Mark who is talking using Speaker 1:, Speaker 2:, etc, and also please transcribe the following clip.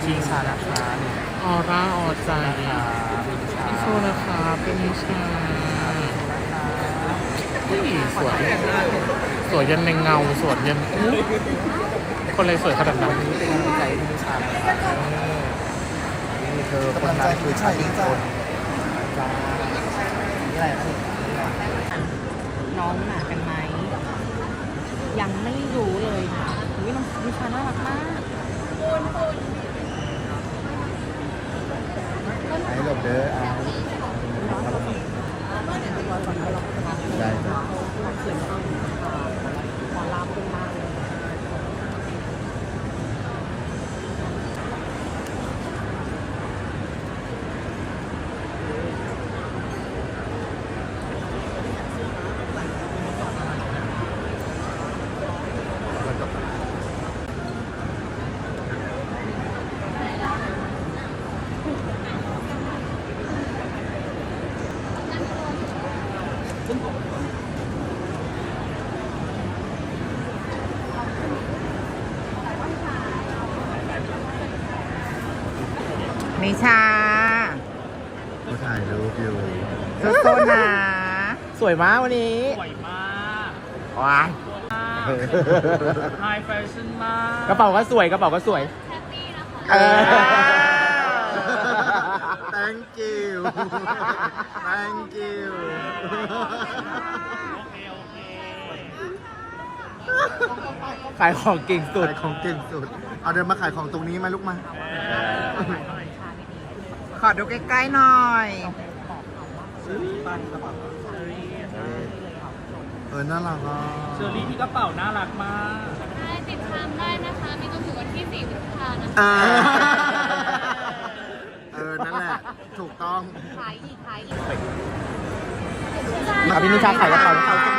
Speaker 1: ชิงชานะคะนี่
Speaker 2: ออร่าออใจ
Speaker 1: ชิงชา
Speaker 2: พี่โซนะคะเป็นนิชาอุ้ยสวยสวยยันในเงาสวยยันอุ๊ยคนเลยสวยขนาดนั้น
Speaker 1: เป็นกำลังใจให้ชิงชานะคะนี่เธอคนนั้นคือชาติคนจ้านี่อะไรนะนี่
Speaker 3: น้องหนากันไหมยังไม่รู้เลยค่ะอุ้ยน้องนิชาน่ารักมาก
Speaker 1: ให้หลบเด้อได้จ้ะ
Speaker 3: ขอลาเป็นมากเลย
Speaker 2: นิชา
Speaker 1: เขาถ่ายรูปอยู่
Speaker 2: โซนะสวยมากวันนี้
Speaker 4: สวยมาก
Speaker 2: ว้าย
Speaker 4: ไฮแฟชั่นมาก
Speaker 2: กระเป๋าก็สวยกระเป๋าก็สวยเออ
Speaker 1: thank you thank you
Speaker 4: โอเค โอเค
Speaker 2: ขายของเก่งสุด
Speaker 1: ขายของเก่งสุด เอาเดินมาขายของตรงนี้มาลูกมา
Speaker 2: ขอดูใกล้ๆหน่อย
Speaker 1: น่ารักอ่ะ
Speaker 4: เชอรี่ที่กระเป๋าน่ารักมาก
Speaker 5: ได้ติดตามได้นะคะ มีจนถึงวันที่4พฤษภาคมนะคะ
Speaker 1: นั่นแหละ ถูกต้อง
Speaker 3: ขายอีก
Speaker 2: พี่นิชาขายกระเป๋า